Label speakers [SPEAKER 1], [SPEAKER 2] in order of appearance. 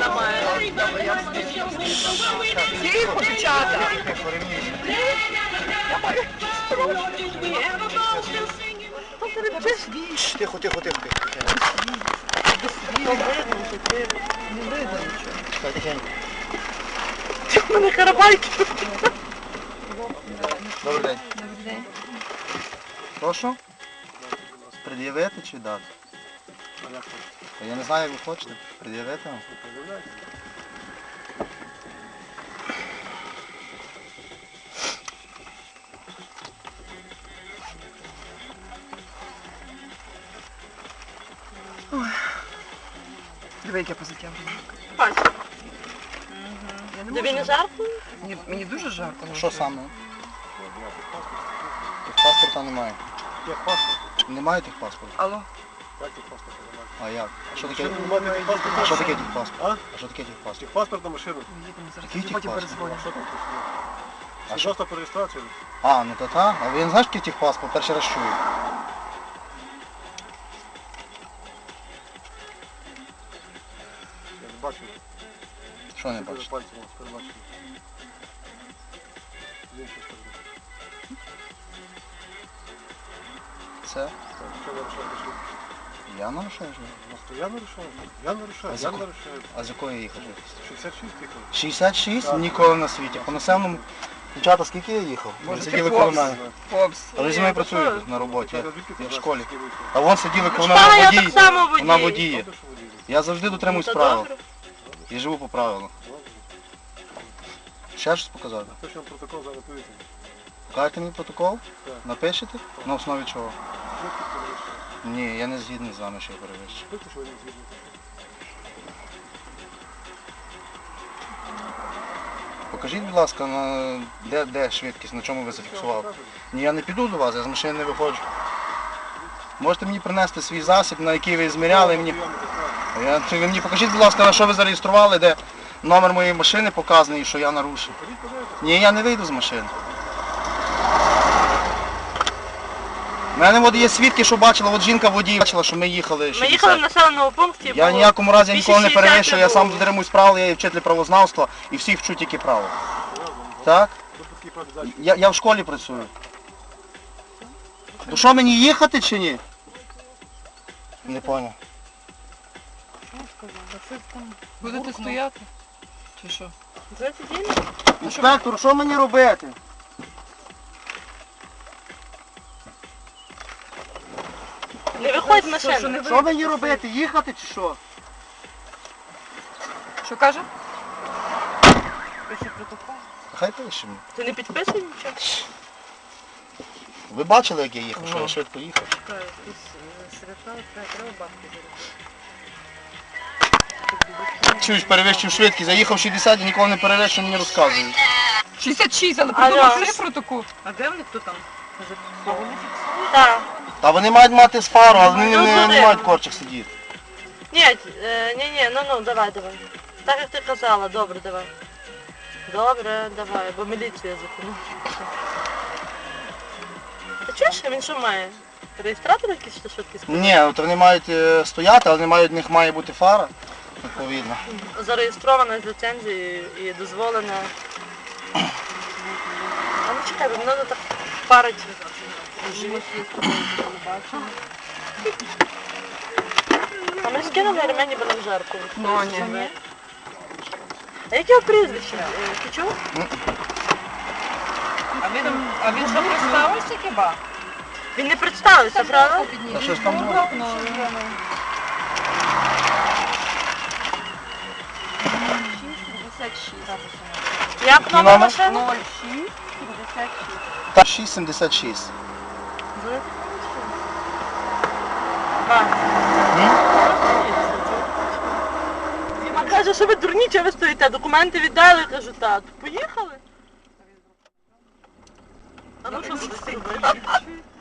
[SPEAKER 1] має. Тихо, дівчата.
[SPEAKER 2] Тихо, тихо, тихо.
[SPEAKER 1] Не видно нічого.
[SPEAKER 2] Тихенько.
[SPEAKER 1] У мене карабайки.
[SPEAKER 2] Добрий день.
[SPEAKER 3] Добрий день.
[SPEAKER 2] Прошу? Пред'явити чи дати? Я не знаю, як ви хочете. Пред'явити вам?
[SPEAKER 1] Диви, як я позитяв.
[SPEAKER 3] Бачу.
[SPEAKER 1] Тобі не жарко?
[SPEAKER 3] Мені дуже жарко.
[SPEAKER 2] Що саме? Техпаспорта немає. Немає техпаспорту?
[SPEAKER 3] Алло.
[SPEAKER 2] А як? А що таке?
[SPEAKER 4] Немає техпаспорта.
[SPEAKER 2] А що таке техпаспорт?
[SPEAKER 4] А?
[SPEAKER 2] А що таке техпаспорт?
[SPEAKER 4] Техпаспорт на машину.
[SPEAKER 3] Їдемо зараз.
[SPEAKER 2] Який
[SPEAKER 3] Потім
[SPEAKER 2] техпаспорт?
[SPEAKER 3] перезвоню.
[SPEAKER 4] Що там?
[SPEAKER 2] А що?
[SPEAKER 4] Свідоцтво про реєстрацію?
[SPEAKER 2] А, ну то та. А ви не знаєте, який техпаспорт? Перший раз чую.
[SPEAKER 4] Я не бачу.
[SPEAKER 2] Що не
[SPEAKER 4] Що
[SPEAKER 2] бачите?
[SPEAKER 4] пальцем перебачили. З іншої сторони.
[SPEAKER 2] Це?
[SPEAKER 4] Так, що нарушаєте? Що?
[SPEAKER 2] Я нарушаю ж?
[SPEAKER 4] Я нарушаю. Я нарушаю. Я нарушаю.
[SPEAKER 2] А з якої їхав швидкості?
[SPEAKER 4] 66 тихо.
[SPEAKER 2] 66?
[SPEAKER 4] Так.
[SPEAKER 2] Ніколи на світі. По населеному... Дівчата, скільки я їхав? Ви
[SPEAKER 3] Може,
[SPEAKER 2] сиділи
[SPEAKER 3] ти
[SPEAKER 2] коло
[SPEAKER 3] повз?
[SPEAKER 2] мене.
[SPEAKER 3] Попс.
[SPEAKER 2] А ви зі мною працюєте на роботі. Я в школі. А вон сиділи коло
[SPEAKER 1] Школа,
[SPEAKER 2] мене
[SPEAKER 1] я
[SPEAKER 2] водій.
[SPEAKER 1] так само водій.
[SPEAKER 2] Вона водіє. Я завжди дотримуюсь
[SPEAKER 1] Та
[SPEAKER 2] правил.
[SPEAKER 1] добре.
[SPEAKER 2] І живу по правилам. Ще щось показати?
[SPEAKER 4] Напишемо протокол зараз повітря.
[SPEAKER 2] Покажете мені протокол?
[SPEAKER 4] Так.
[SPEAKER 2] Напишете? На основі чого?
[SPEAKER 4] Швидкість перевищує.
[SPEAKER 2] Ні, я не згідний з вами, що я перевищу.
[SPEAKER 4] Швидкість, що ви не згідні.
[SPEAKER 2] Покажіть, будь ласка, де швидкість, на чому ви зафіксували? Ні, я не піду до вас, я з машини не виходжу. Можете мені принести свій засіб, на який ви зміряли мені. Ви мені покажіть, будь ласка, на що ви зареєстрували, де номер моєї машини показаний, що я нарушив. Ні, я не вийду з машини. У мене от є свідки, що бачила, от жінка водій бачила, що ми їхали.
[SPEAKER 1] Ми їхали в населеному пункті.
[SPEAKER 2] Я в ніякому разі ніколи не
[SPEAKER 1] 260
[SPEAKER 2] перевищую, я сам
[SPEAKER 1] було.
[SPEAKER 2] дотримуюсь правил, я є вчитель правознавства і всіх вчу тільки право. Так? Я в школі працюю. Ну що, мені їхати чи ні? Не поняв.
[SPEAKER 3] Будете стояти? Чи що?
[SPEAKER 2] Інспектор, що мені робити?
[SPEAKER 1] Не виходь з машини.
[SPEAKER 2] Що мені робити? Їхати чи що?
[SPEAKER 3] Що каже? Пише протокол.
[SPEAKER 2] Хай пише мені.
[SPEAKER 1] Ти не підписуй нічого?
[SPEAKER 2] Ви бачили, як я їхав, що я швидко їхав? Чуєш, перевищив швидкість, заїхав 60 і ніколи не перевищив, мені розказують.
[SPEAKER 3] 66, але
[SPEAKER 1] Алло.
[SPEAKER 3] подумав, що протокол.
[SPEAKER 1] А де вони хто там? Так.
[SPEAKER 2] Та вони мають мати з фару, але вони
[SPEAKER 1] Ну,
[SPEAKER 2] не
[SPEAKER 1] куди?
[SPEAKER 2] мають в корчах сидіти.
[SPEAKER 1] Ні, ну, давай. Так як ти казала, добре, давай. Добре, давай, бо міліцію зупинив. Ти чуєш, він що має? Реєстратор якийсь що швидкість?
[SPEAKER 2] Ні, от вони мають стояти, але в них має бути фара, відповідно.
[SPEAKER 1] Зареєстрована з ліцензією і дозволена. А ну чекай, бо мене так парить. А ми скинули ремені, бо нам жарко.
[SPEAKER 3] Ну, ні.
[SPEAKER 1] А яке його прізвище? Ти чув?
[SPEAKER 3] А він що представився хіба?
[SPEAKER 1] Він не представився, правда?
[SPEAKER 2] Та щось там було.
[SPEAKER 1] Як номер машини?
[SPEAKER 2] 6,76.
[SPEAKER 1] Він каже, що ви дурні, чого ви стоїте? Документи віддали, кажу, так. Поїхали? А ну що будете робити?